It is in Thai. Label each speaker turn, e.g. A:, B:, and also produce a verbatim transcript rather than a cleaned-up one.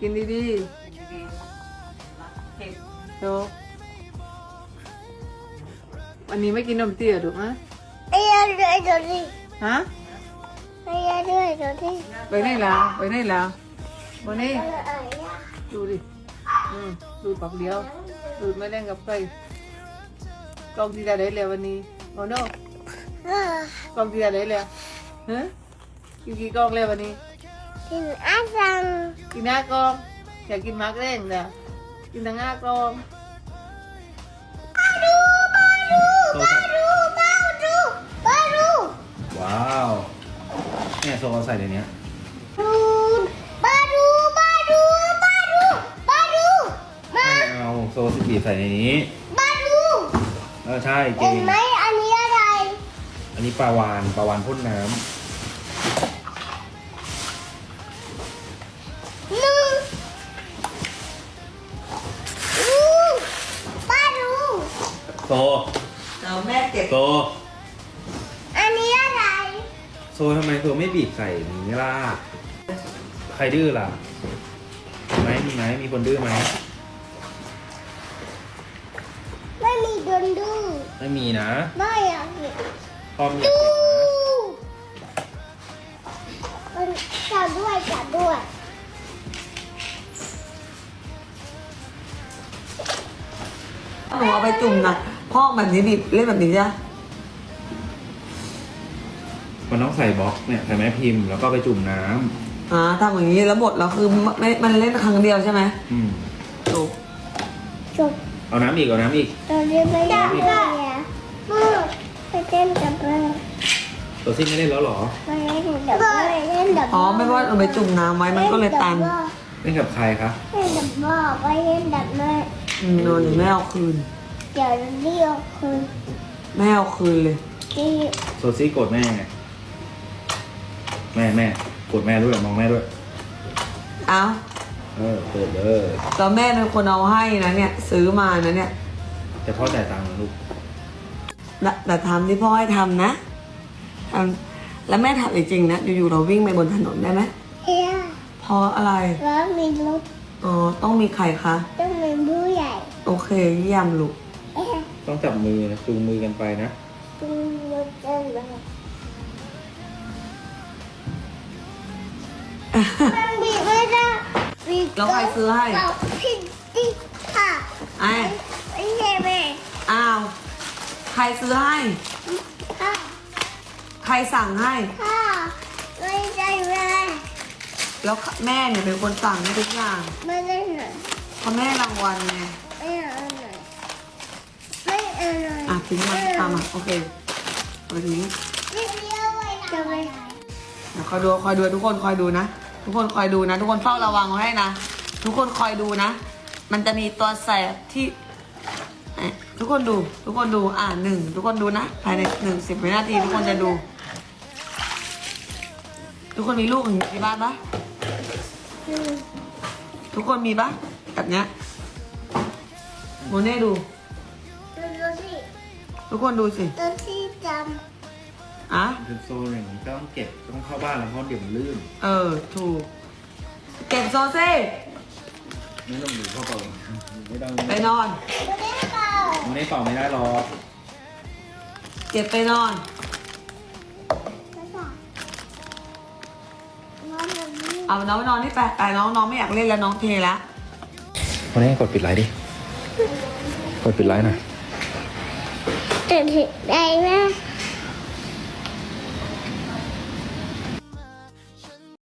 A: กินดีๆ
B: ดีๆเผ็ด
A: โตวันนี้ไม่กินนมเตี้ยถูกไหม
C: ไอ้ยาด้วยตัวนี้
A: ฮะ
C: ไอ้ยาด้วยตัวนี้
A: ไปไหนล่ะไปไหนล่ะวันนี้ดูดิอืมดูดปักเดียวดูดไม่เล่นกับใครกล้องที่จะได้แล้ววันนี้โอ้โนกล้องที่จะได้แล้วฮะกินกี่กล้องแล้ววันนี้
C: กินอาซัง
A: กินห้ากล้องอยากกินมากเร่งนะกินทั้งห้ากล้อง
C: ดูมาดูมาดูมาดูมาดู
D: ว้าวเนี่ยโซเอาใส่ในเนี้ย
C: ดูมาดูมาดูมาดูมาดูมา
D: ไม่เอาโซสิบีบใส่ในนี้
C: มาดู
D: เออใช่เก่
C: เห็
D: ง
C: นไหมอันนี้อะไร
D: อันนี้ปลาวานปลาวานพ่นน้
C: หนึ่งดูมาดู
D: ำโซ
B: เอาแม่เก็บ
D: โซ
C: อันนี้อะไร
D: โซทำไมโซไม่บีบใส่นี้ล่ะใครดื้อล่ะมีไหมมีไหมมีคนดื้อไหม
C: ไม่มีโดนดู
D: ไม่มีนะ
C: ไม่อยากเห็น
D: พร้อมอยาก
C: ดู
D: เห็นนะ
C: มันจับด้วยจับด้วย
B: หนูเอาไปจุ่มนะพ่อกแบบนี้บีบเล่นแบบนี้จ้ะ
D: มันต้องใส่บล็อกเนี่ยใส่แม่พิมพ์แล้วก็ไปจุ่มน้
B: อ่าทำอย่างนี้แล้วหมดแล้วคือไม่มันเล่นครั้งเดียวใช่ไหม
D: ำอืม
B: ถูก
C: จบ
D: เอาน้ำอีกเอาน้ำอีก
C: ตอนนี้ไม่ได้เนี่ยมือไปเต้นกับแม่
D: ตัวซิ่งไม่เล่นแล้วเหรอ
C: ไปเล่นกับแม่เล่นกับ
B: อ๋อไม่ว่าเอาไปจุ่มน้ำไว้มันก็เลยตัน
D: เล่นกับใครคะ
C: เล่นกับพ่อไปเล่นกับแม่
B: อืมโดนแม่เอาคืน
C: เดี๋ยวเรียกคือ
B: แม่เอาคืนเลย
C: ที่
D: โซซี่โกรธแม่ไงแม่แม่โกรธแม่ด้วยมองแม่ด้วย
B: เอ้า
D: เออเปิดเลย
B: แล้วแม่เป็นคนเอาให้นะเนี่ย ซื้อมานะเนี่ย
D: แต่พ่อจ่ายตังค์นะลูก
B: แต่แต่ทำที่พ่อให้ทำนะทำแล้วแม่ทำจริงๆนะอยู่ๆเราวิ่งไปบนถนนได้ไหม
C: เฮีย
B: เพราะอะไร
C: แล้วมีรถ
B: อ๋อต้องมีใครคะ
C: ต้องมีผู้ใหญ่
B: โอเคเยี่ยมลูก
C: เอ๊ะ
D: ต้องจับมือนะจูงมือกันไปนะ
C: ต้องรถเต้นเลยมันบีบไม่ได้บีบ
B: แล้วใครซื้อให้
C: เราพี่ติ๊กค่ะ
B: ไอ้
C: ไม่ใช่แม่
B: อ้าว ใครซื้อให้
C: ค่ะ
B: ใครสั่งให้
C: ค่ะไม่ใช่แม่
B: แล้วแม่เนี่ยเป็นคนสั่งให้ทุกอย่าง
C: ไม่ได้หน่อย
B: เพราะแม่รางวัลไง
C: ไม่เอาหน่อยไม่เอาหน่อย
B: อ่ะทิ้งมันตามมาโอเคเอาทิ้ง
C: ไม่เลี้ยวไปจะไป
B: เดี๋ยวคอยดูคอยดูทุกคนคอยดูนะ ทุกคนคอยดูนะ ทุกคนเฝ้าระวังไว้ให้นะ ทุกคนคอยดูนะ มันจะมีตัวแสบที่เอ๊ะทุกคนดู ทุกคนดู อ่าหนึ่งทุกคนดูนะ ภายในหนึ่งสิบวินาทีทุกคนจะดู ทุกคนมีลูกอย่างนี้ที่บ้านปะ
C: อืม
B: ทุกคนมีปะแบบเนี้ยโมเน่ดู
C: ดูดูสิ
B: ทุกคนดูสิ
C: ดูที่จ
B: อ่ะ
D: เป็นโซนอย่างนี้ก็ต้องเก็บต้องเข้าบ้านแล้วเพราะเดี๋ยวมันลื่น
B: เออ ถูก เก็บโซเซ่
D: ไม่ต้องดูเข้าเป่าไม่ต้อง
B: ไปนอน
C: ำดูได้เปล่า
D: มันไม่เป่าไม่ได้หรอก
B: เก็บไปนอน
C: ไม่เปล่าน้องแบบนี้
B: เอาน้องไปนอนที่แปะแต่น้องน้องไม่อยากเล่นแล้วน้องเทละ
D: วันนี้กดปิดไลน์ดิ กดปิดไลน์หน่อย
C: ตื่นถึงได้ไหม